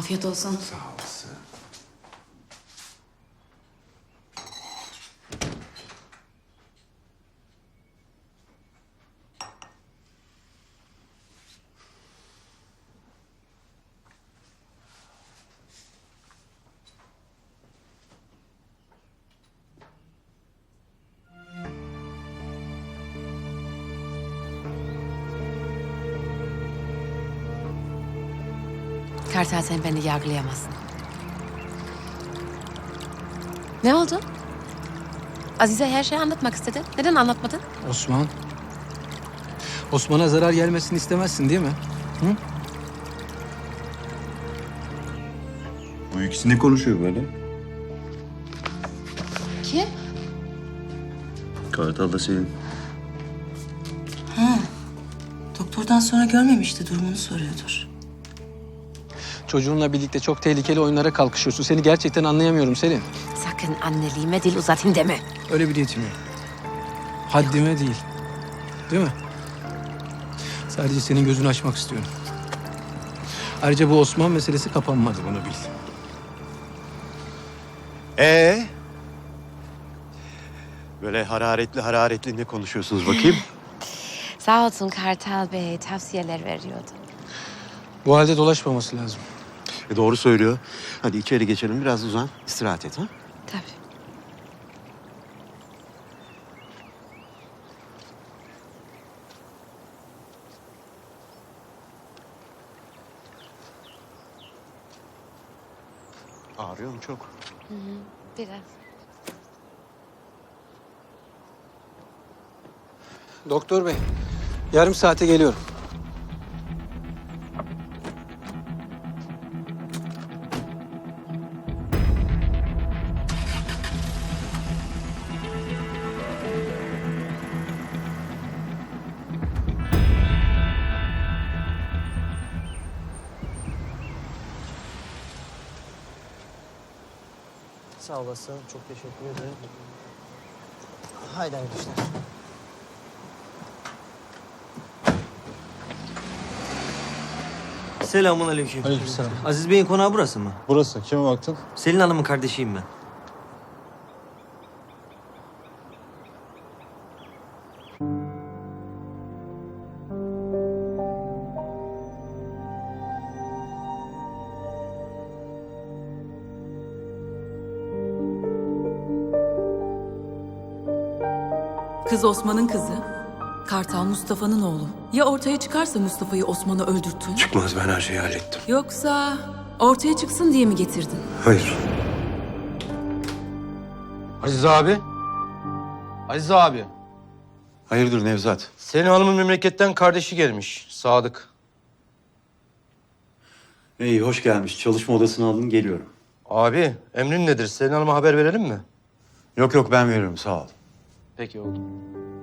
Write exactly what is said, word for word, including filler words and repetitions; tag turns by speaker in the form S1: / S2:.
S1: Afiyet olsun.
S2: Sağ olasın.
S1: Kartal, sen beni yargılayamazsın. Ne oldu? Azize her şeyi anlatmak istedi. Neden anlatmadın?
S3: Osman. Osman'a zarar gelmesini istemezsin değil mi? Hı?
S4: Bu ikisi ne konuşuyor böyle?
S1: Kim?
S4: Kartal'da Selin.
S5: Doktordan sonra görmemişti, durumunu soruyordur.
S3: Çocuğunla birlikte çok tehlikeli oyunlara kalkışıyorsun. Seni gerçekten anlayamıyorum Selin.
S1: Sakın anneliğime dil uzatayım deme.
S3: Öyle bir niyetim yok. Haddime değil. Değil mi? Sadece senin gözünü açmak istiyorum. Ayrıca bu Osman meselesi kapanmadı, bunu bil.
S6: Ee? Böyle hararetli hararetli ne konuşuyorsunuz bakayım?
S1: Sağ olsun Kartal Bey tavsiyeler veriyordu.
S3: Bu halde dolaşmaması lazım.
S6: E doğru söylüyor. Hadi içeri geçelim, biraz uzan, istirahat et ha.
S1: Tabii.
S6: Ağrıyor mu çok?
S1: Biraz.
S3: Doktor bey, yarım saate geliyorum.
S7: Sağ olasın. Çok teşekkür ederim. Haydi hayırlı işler. Selamun aleyküm.
S8: Aleykümselam.
S7: Aziz Bey'in konağı burası mı?
S8: Burası. Kime baktın?
S7: Selin Hanım'ın kardeşiyim ben.
S9: Kız Osman'ın kızı. Kartal Mustafa'nın oğlu. Ya ortaya çıkarsa Mustafa'yı Osman'a öldürttün?
S6: Çıkmaz, ben her şeyi hallettim.
S9: Yoksa ortaya çıksın diye mi getirdin?
S6: Hayır.
S8: Aziz abi. Aziz abi.
S6: Hayırdır Nevzat?
S8: Selin Hanım'ın memleketten kardeşi gelmiş. Sadık.
S4: İyi, hoş gelmiş. Çalışma odasına alın, geliyorum.
S8: Abi emrin nedir? Selin Hanım'a haber verelim mi?
S6: Yok yok, ben veririm, sağ ol.
S8: Peki oldu.